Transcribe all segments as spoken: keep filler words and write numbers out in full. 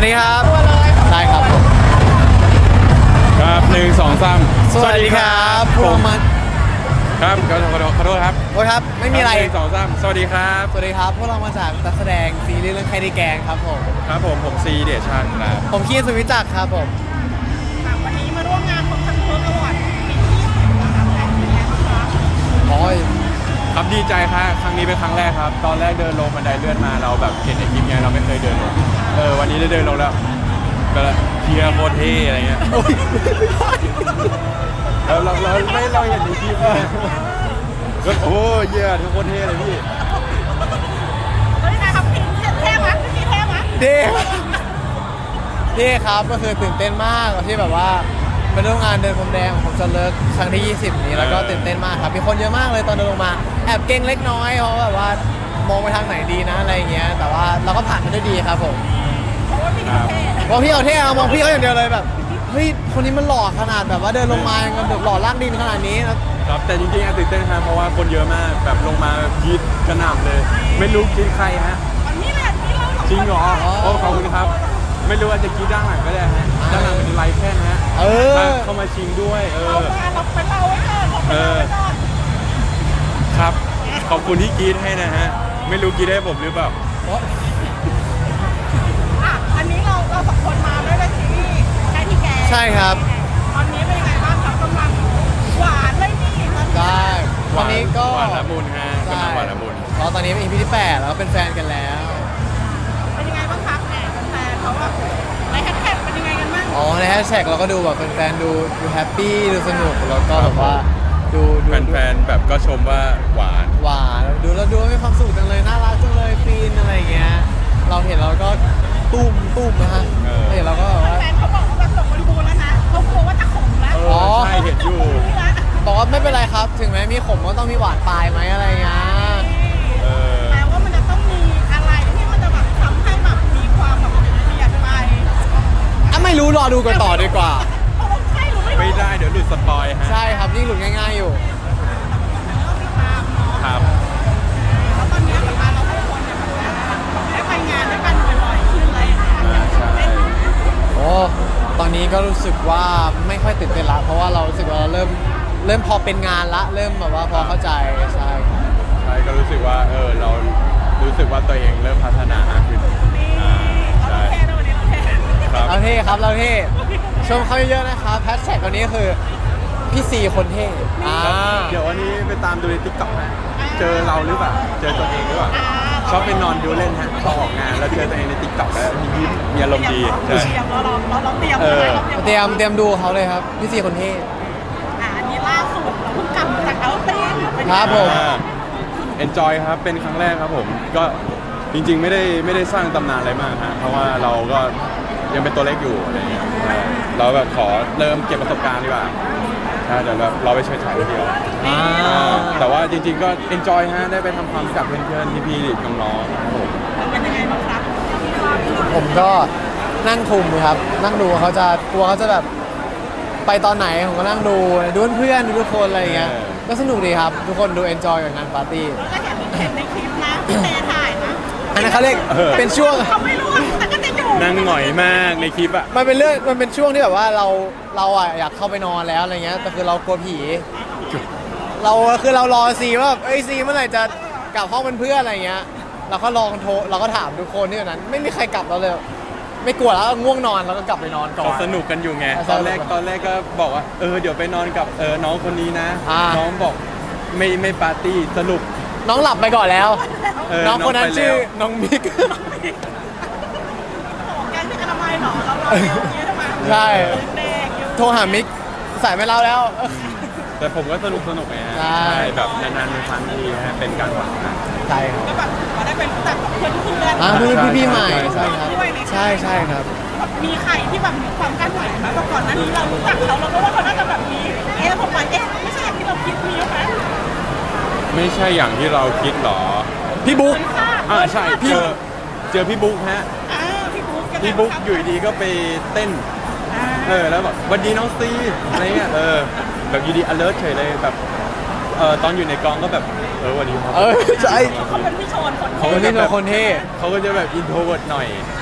ดีครับได้ครับผมครับหนึ่งสองสามสวัสดีครับพวกมันครับขอโทษขอโทษครับโอ้ยครับไม่มีอะไรหนึ่งสองสามสวัสดีครับสวัสดีครับพวกเรามาจากนักแสดงซีรีส์เรื่องใครได้แกงครับผมครับผมผมซีเดชาญครับผมคีนสุวิจักรครับผมวันนี้มาร่วมงานของทันเพิร์กอวอร์ดปีที่ยี่สิบนะครับแต่เป็นไงบ้างคะโอ้ยครับดีใจครับครั้งนี้เป็นครั้งแรกครับตอนแรกเดินลงบันไดเลื่อนมาเราแบบเห็นในคลิปไงเราไม่เคยเดินลงเออวันนี้ได้เดินลงแล้วก็เทียร์โคตรเท่อะไรเงี้ยเราเราเราไม่เราเห็นในคลิปเลยก็โอ้ยเยี่ยทุกคนเท่เลยพี่เฮ้ยนะครับพี่เท่ไหมพี่เท่ไหมเท่เท่ครับก็คือตื่นเต้นมากที่แบบว่าเป็นร่วมงานเดินพรมแดงของผมจะเลิกครั้งที่ยี่สิบนี้แล้วก็ตื่นเต้นมากครับมีคนเยอะมากเลยตอนเดินลงมาแอบเก่งเล็กน้อยเพราะแบบว่ามองไปทางไหนดีนะอะไรเงี้ยแต่ว่าเราก็ผ่านมันได้ดีครับผมเพราะว่าพี่เท่มองพี่เอาเท่เอามองพี่เขาอย่างเดียวเลยแบบเฮ้ยคนนี้มันหล่อขนาดแบบว่าเดินลงมายังแบบหล่อล่างดินขนาดนี้ครับแต่จริงๆตื่นเต้นครับเพราะว่าคนเยอะมากแบบลงมาคิดกระหน่ำเลยไม่รู้คิดใครฮะอันนี้แหละที่เราจริงเหรอโอ้ขอบคุณครับไม่รู้ว่าจะคิดด้านหลังก็ได้ฮะด้านหลังเป็นไลฟ์แค่นะฮะเออเข้ามาชิงด้วยเออเราเราไปเล่าไว้ก่อนเราไปเล่าไว้ก่อนครับขอบคุณที่คิดให้นะฮะไม่รู้คิดให้ผมหรือเปล่าอ่ะอันนี้เราเราสองคนมาด้วยในซีรีส์ใช่ที่แกใช่ครับตอนนี้เป็นยังไงบ้างครับกำลังหวานเลยนี่ได้ตอนนี้ก็หวานละมุนฮะกำลังหวานละมุนเพราะตอนนี้เป็น อี พี ที่แปดแล้วเป็นแฟนกันแล้วเป็นยังไงบ้างครับแหมแฟนเขาแบบในแฮชแท็กเป็นยังไงกันบ้างอ๋อในแฮชแท็กเราก็ดูแบบแฟนๆดูดูแฮปปี้ดูสนุกแล้วก็แบบว่าดูดูแฟนๆแบบก็ชมว่าหวานหวานดูแล้วดูมีความสุขจังเลยน่ารักจังเลยฟีนอะไรเงี้ยเราเห็นเราก็ตุ้มตุ้มนะฮะเห็นเราก็แบบว่าแฟนเขาบอกว่าแบบส่งบริบูรณ์แล้วนะเขากลัวว่าจะขมแล้วอ๋อใช่เห็นอยู่บอกว่าไม่เป็นไรครับถึงแม้มีขมก็ต้องมีหวานปลายไหมอะไรเงี้ยแปลว่ามันจะต้องมีอะไรที่มันจะแบบทำให้แบบมีความแบบเปลี่ยนไปอ่ะไม่รู้รอดูกันต่อดีกว่าไม่ได้เดี๋ยวหลุดสปอยฮะใช่ครับยิ่งหลุดง่ายๆอยู่ครับแล้วตอนนี้แบบเราทุกคนเนี่ยได้ไปงานด้วยกันบ่อยๆขึ้นเลยใช่โอ้ตอนนี้ก็รู้สึกว่าไม่ค่อยตื่นเต้นละเพราะว่าเรารู้สึกว่าเราเริ่มเริ่มพอเป็นงานละเริ่มแบบว่าพอเข้าใจใช่ใช่ก็รู้สึกว่าเออเรารู้สึกว่าตัวเองเริ่มพัฒนามากขึ้นใช่เราเท่ครับเราเท่ชมเขาเยอะๆนะครับแฮชแท็กตัวนี้คือพี่ซีคนเท่เดี๋ยววันนี้ไปตามดูในติ๊กต็อกนะเจอเราหรือเปล่าเจอตัวเองหรือเปล่าชอบไปนอนดูเล่นฮะพอออกงานแล้วเจอตัวเองในติ๊กต็อกแล้วมียิ้มมีอารมณ์ดีใช่เราเราเราเตรียมเตรียมเตรียมดูเขาเลยครับพี่ซีคนเท่อ่านี่ล่าสุดเราเพิ่งกลับจากเอาติ้งครับผมเอนจอยครับเป็นครั้งแรกครับผมก็จริงๆไม่ได้ไม่ได้สร้างตำนานอะไรมากฮะเพราะว่าเราก็ยังเป็นตัวเล็กอยู่อะไรเงี้ยเราแบบขอเริ่มเก็บประสบการณ์ดีกว่าใช่เดี๋ยวเราไปเฉยๆทีเดียวแต่ว่าจริงๆก็เอนจอยฮะได้ไปทำความรู้จักเพื่อนๆพี่ๆน้องๆผมเป็นยังไงบ้างครับผมก็นั่งคุมครับนั่งดูเขาจะกลัวเขาจะแบบไปตอนไหนผมก็นั่งดูดูเพื่อนดูทุกคนอะไรอย่างเงี้ยก็สนุกดีครับทุกคนดูเอนจอยกับงานปาร์ตี้ก็เห็นเห็นในคลิปนะพี่เตถ่ายนะอันนั้นเขาเรียกเป็นช่วงเขาไม่รู้แต่ก็จะอยู่นั่งหน่อยมากในคลิปอะมันเป็นเรื่องมันเป็นช่วงที่แบบว่าเราเราอะอยากเข้าไปนอนแล้วอะไรเงี้ยแต่คือเรากลัวผีเราคือเรารอซีว่าเอ้ยซีเมื่อไหร่จะกลับห้องเป็นเพื่อนอะไรเงี้ยเราก็ลองโทรเราก็ถามทุกคนที่อยู่นั้นไม่มีใครกลับเราเลยไม่กลัวแล้วง่วงนอนเราก็กลับไปนอนก่อนสนุกกันอยู่ไงตอนแรกตอนแรกก็บอกว่าเออเดี๋ยวไปนอนกับเออน้องคนนี้นะน้องบอกไม่ไม่ปาร์ตี้สรุปน้องหลับไปก่อนแล้วน้องคนนั้นชื่อน้องมิกแกที่อนามัยหรอเราเราอย่างนี้ทำไมใช่โทรหามิกสายไม่เล่าแล้วแต่ผมก็สนุกสนุกไงฮะใช่แบบนานๆเป็นครั้งทีฮะเป็นการหวังนะใช่ครับก็แบบได้เป็นรู้จักกับเพื่อนเพื่อนอ่าเพื่อนพี่ๆใหม่ใช่ครับใช่ใช่ครับมีใครที่แบบมีความกั้นไหวไหมก่อนหน้านี้เรารู้จักเขาเราก็ว่าเขาน่าจะแบบมีเอ๊ะผมว่าเอ๊ะไม่ใช่อย่างที่เราคิดมีไหมไม่ใช่อย่างที่เราคิดหรอพี่บุ๊กอ่าใช่เจอเจอพี่บุ๊กฮะพี่บุ๊กพี่บุ๊กอยู่ดีก็ไปเต้นเออแล้วแบบวันดีน้องซีอะไรเงี้ยเออแบบอยู่ดี alert เฉยเลยแบบเออตอนอยู่ในกองก็แบบเออวันนี้เออใช่เขาเป็นพี่โชนคนเขาเป็นพี่โชนคนเท่เขาก็จะแบบ introvert หน่อย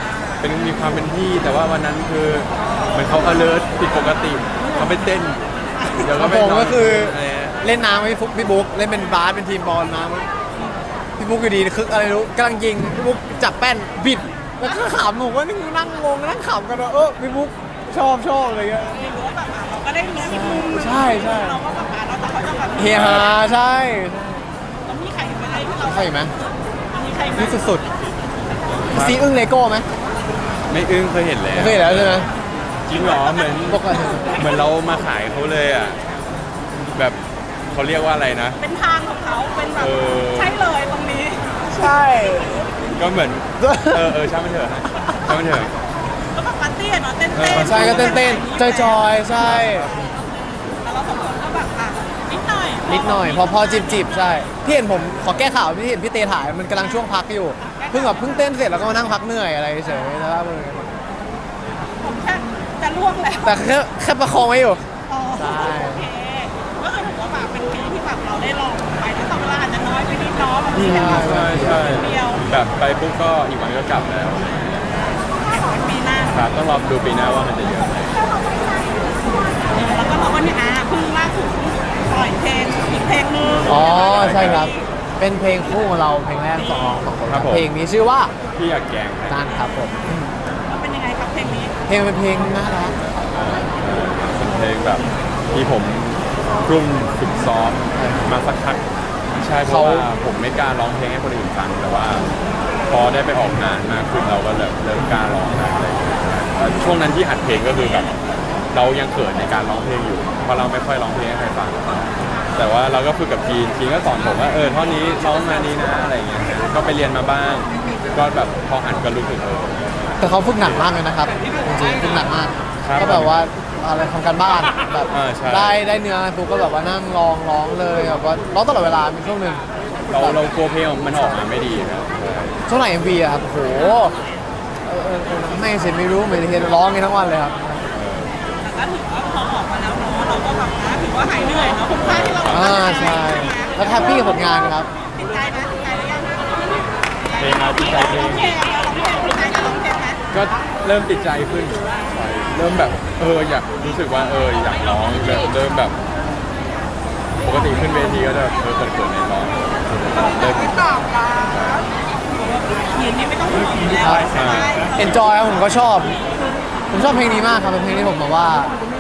เป็นมีความเป็นพี่แต่ว่าวันนั้นคือเหมือนเขา alert ผิดปกติเขาไปเต้นเดี๋ยวก็ไปผมนอนก็คืออะไรเงี้ยเล่นน้ำกับพี่ฟุกพี่บุ๊กเล่นเป็นบาสเป็นทีมบอลน้ำพี่บุ๊กอยู่ดีคึกอะไรไม่รู้กำลังยิงพี่บุ๊กจับแป้นบิดแล้วก็ขำผมก็นั่งนั่งงงนั่งขำกันว่าเออพี่บุ๊กชอบชอบอะไรเงี้ยไม่รู้ว่าแบบอ่ะเราก็ได้รู้อีกมุมหนึงใช่ใช่เราก็แบบอ่ะเราแต่เขาจะแบบเฮฮาใช่แล้วมีใครอยู่ไหมที่เราใครอีกไหมมีใครไหมนี่สุดๆซีอึ้งเลโก้ไหมไม่อึ้งเคยเห็นแล้วไม่เคยเห็นแล้วใช่ไหมจริงเหรอเหมือนปกติเหมือนเรามาขายเขาเลยอ่ะแบบเขาเรียกว่าอะไรนะเป็นทางของเขาเป็นแบบเออใช่เลยตรงนี้ใช่ก็เหมือนเออเออช่างมันเถอะช่างมันเถอะก็แบบปาร์ตี้อะเนาะเต้นเต้นใช่ก็เต้นเต้นจอยจอยๆใช่แล้วเราสองคนก็แบบอ่ะนิดหน่อยนิดหน่อยพอพอจิบจิบๆใช่พี่เห็นผมขอแก้ข่าวพี่เห็นพี่เตถ่ายมันกำลังช่วงพักอยู่เพิ่งแบบเพิ่งเต้นเสร็จแล้วก็มานั่งพักเหนื่อยอะไรเฉยๆนะครับผมแค่จะล่วงแล้วแต่แค่แค่ประคองไว้อยู่อ๋อใช่โอเคก็คือถือว่าแบบเป็นปีที่แบบเราได้ลองไปแต่ต่อเวลาอาจจะน้อยไปนิดเน้อยบางทีแบบใช่ใช่เดียวแบบไปปุ๊บก็อีกวันก็กลับแล้วปีหน้าครับต้องรอดูปีหน้าว่ามันจะเยอะไหมแล้วก็เราก็เนี่ยอ่ะเพิ่งล่าสุดปล่อยเพลงอีกเพลงนึงอ๋อใช่ครับ เป็นเพลงคู่ของเราเพลงแรกสองสองคนครับเพลงนี้ชื่อว่าพี่อยากแกงครับนั่นครับผมแล้วเป็นยังไงครับเพลงนี้เพลงเป็นเพลงน่ารักเป็นเพลงแบบที่ผมกลุ่มฝึกซ้อมมาสักพักใช่เพราะว่าผมไม่กล้าร้องเพลงให้คนอื่นฟังแต่ว่าพอได้ไปออกงานมากขึ้นเราก็เริ่มเริ่มกล้าร้องแล้วอะไรอย่างเงี้ยแต่ช่วงนั้นที่อัดเพลงก็คือแบบเรายังเขินในการร้องเพลงอยู่เพราะเราไม่ค่อยร้องเพลงให้ใครฟัง แต่ว่าเราก็ฝึกกับทีนทีนก็สอนผมว่าเออท่อนนี้ร้องมานี้นะอะไรอย่างเงี้ยก็ไปเรียนมาบ้าง ก็แบบพออัดก็รู้สึกเออแต่เขาฝึกหนักมากเลยนะครับจริงๆฝึกหนักมากครับก็แบบว่าอะไรทำการบ้านแบบอ่าใช่ได้ได้เนื้อปุ๊บก็แบบว่านั่งร้องร้องเลยแบบว่าร้องตลอดเวลามีช่วงหนึ่งเราเรากลัวเพลงมันออกมาไม่ดีครับใช่ช่วงไหนเอ็มวีอะครับโหเออเออเออไม่เสร็จไม่รู้ไม่ได้เห็นร้องกันทั้งวันเลยครับแต่ก็ถือว่าพอออกมาแล้วเนาะเราก็แบบนะถือว่าหายเหนื่อยเนาะคุ้มค่าที่เราอ่าใช่แล้วแฮปปี้กับผลงานครับติดใจนะติดใจหรือยังเพลงมาติดใจเพลร้องงเพลงร้องเพลงติดใจจะร้องเพลงไหมก็เริ่มติดใจขึ้นใช่เริ่มแบบเอออยากรู้สึกว่าเอออยากร้องแบบเริ่มแบบปกติขึ้นเวทีก็จะเออเขินๆในร้องเริ่มตอบแล้วยืนนี่ไม่ต้องห่วงอยู่แล้วใช่ไหมเอนจอยผมก็ชอบ ผมชอบเพลงนี้มากครับเป็นเพลงที่ผมแบบว่า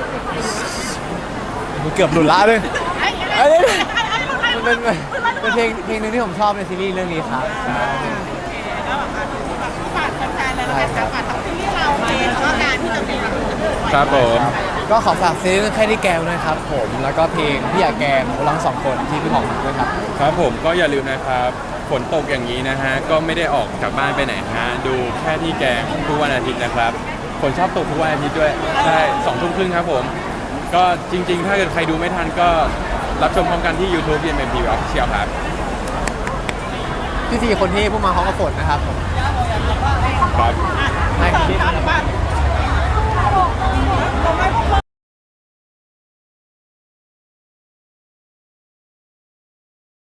เกือบหลุดละเลยไอ้เอ้ยไอ้มันเป็นเป็นเพลงเพลงหนึงที่ผมชอบในซีรีส์เรื่องนี้ครับก็แบบแบบฝากแฟนๆเลยแล้วกันครับฝากทั้งซีรีส์เราเองแล้วก็การที่จะมีแบบครับผมก็ขอฝากซีรีส์เรื่องแค่ที่แกวนะครับผมแล้วก็เพลงพี่อยากแกงของเราทั้งสองคนที่พี่หอมด้วยครับครับผมก็อย่าลืมนะครับฝนตกอย่างนี้นะฮะก็ไม่ได้ออกจากบ้านไปไหนฮะดูแค่ที่แกงทุกวันอาทิตย์นะครับฝนชอบตกทุกวันอาทิตย์ด้วยใช่สองทุ่มครึ่งครับผมก็จริงๆ ถ้าเกิดใครดูไม่ทันก็รับชมพร้อมกันที่ YouTube บี เอ็ม เอ็ม ที วี Official ครับพี่สี่คนที่พูดมาเขาก็ฝนนะครับผมครับให้เสริมครับบ้าน